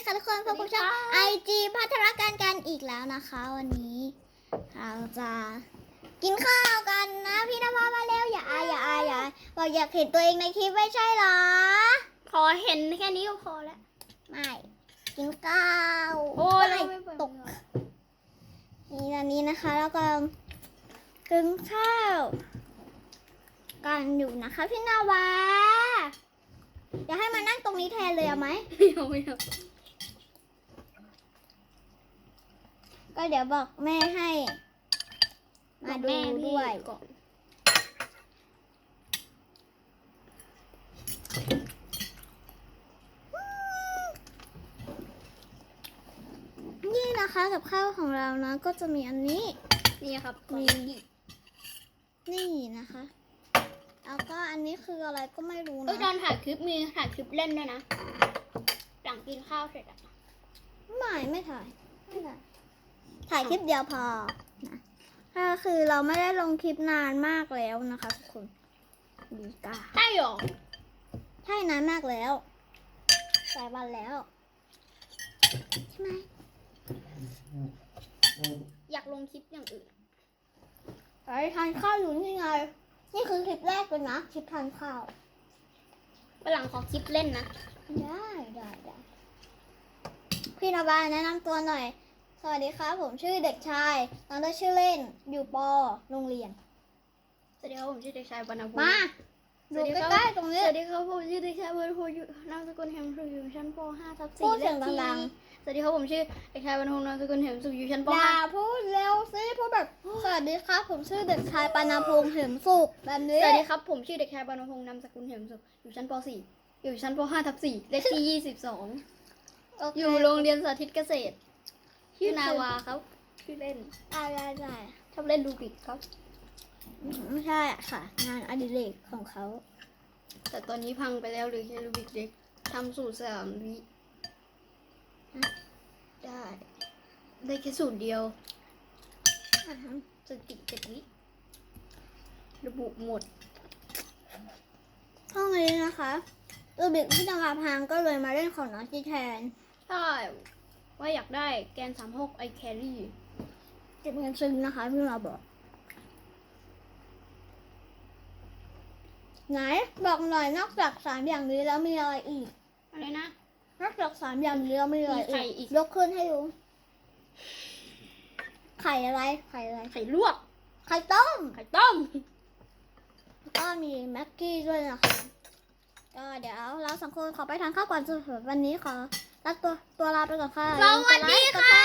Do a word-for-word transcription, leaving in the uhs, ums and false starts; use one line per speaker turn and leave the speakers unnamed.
ค่ะทุกคนพบกับช่องไอจีพัฒนาการกันอีกแล้วนะคะวันนี้เราจะกินข้าวกันนะพี่นภามาแล้วอย่าอายอย่าอายอย่าอายบอกอยากเห็นตัวเองในคลิปไม่ใช่เหรอ
พอเห็นแค่นี้ก็พอแล้ว
ไม่กินข้าว
โอ้ย
ไม่
ไม่เปิด
ตกนี่อันนี้นะคะแล้วก็กินข้าวกันอยู่นะคะพี่นาวาอยากให้มานั่งตรงนี้แทนเลยเอาไหม
ไม่เอาไม่เอา
ก็เดี๋ยวบอกแม่ให้มาดูด้วย
ก่อน
นี่นะคะกับข้าวของเรานะก็จะมีอันนี้
นี่ครับ
มี
มี
นี่นะคะ แล้วก็อันนี้คืออะไรก็ไม่รู้
เอ้ยตอ
นะ
นถ่ายคลิปมีถ่ายคลิปเล่นด้วยนะ หลังกินข้าวเสร็จอะ
ไม่ไม่ถ่ายไม่ถ่ายถ่ายคลิปเดียวพอนะก็คือเราไม่ได้ลงคลิปนานมากแล้วนะคะทุกคนดีกา
ได้หรอ
ใช่นานมากแล้วหลายวันแล้วใช่ไหม
อยากลงคลิปอย่างอื่น
ไปทานข้าวอยู่นี่ไงนี่คือคลิปแรกเลยนะคลิปทานข้าว
วันหลังขอคลิปเล่นนะ
ได้ได้ได้พี่นบาแนะนำตัวหน่อย สวัสดีครับผมชื่อเด็กชายน้องได้ชื่อเล่นอยู่ปโรงเรียน
สวัสดีครับผมชื่อเด็กชายบรรณภูมิ
มา
ส
ดู
วัสดีครับ
ใกล้ๆตรง
ส
นี้
วัสดีครับผมชื่อเด็กชายบรรณภูมิอยู่นามสกุลแฮมสุขอยู่ชั้นป .ห้า ทับ
พู
สี่
ดเสียงดัง
สวัสดีครับผมชื่อเด็กชายบรรณภูมินามสกุลแฮมสุขอยู่ชั้นป
อย่า
.ห้า
พูดเร็วสิพูดแบบสวัสดีครับผมชื่อเด็กชายปานาพงษ์เหิมสุขแบบนี้
สวัสดีครับผมชื่อเด็กชายบรรณพงษ์นามสกุลเหียมสุขอยู่ชั้นป .สี่ อยู่ชั้นป .ห้า ทับสี่เลขที่ ยี่สิบสอง
โเค
อยู่โรงเรียนสาธิตเกษตรชื่อนาวาครับชื่อเล่น
ได้ได้ได้
ชอบเล่นรูบิกครับ
ไม่ใช่ค่ะ งานอดิเรกของเขา
แต่ตอนนี้พังไปแล้วเหรือแค่รูบิกเด็กทำสูตรสามวิได้ ได้แค่สูตรเดียว
อ่าฮะ
สติเจ็ดวิระบุหมด
ห้องนี้นะคะรูบิกที่จังหวัดพังก็เลยมาเล่นของน้องจีแทน
ใช่ว่าอยากได้แกนสามหกไอแครี่
เก็บเงินซื้อนะคะพี่เราบอกไหนบอกหน่อยนอกจากสามอย่างนี้แล้วมีอะไรอีก
อะไรนะ
นอกจากสามอย่างนี้แล้วมีอะไร
มีไข่อี
อีก
ก
ยกขึ้นให้ดูไข่อะไรไข่อะไร
ไข่ลวก
ไข่ต้ม
ไข่ต้ม
แล้วก็มีแม็กกี้ด้วยนะคะก็เดี๋ยวเราสองคนขอไปทานข้าวก่อนสำหรับวันนี้ขอลาตัวตัวลาไปก่อนค่ะ
สวัสดีค่ะ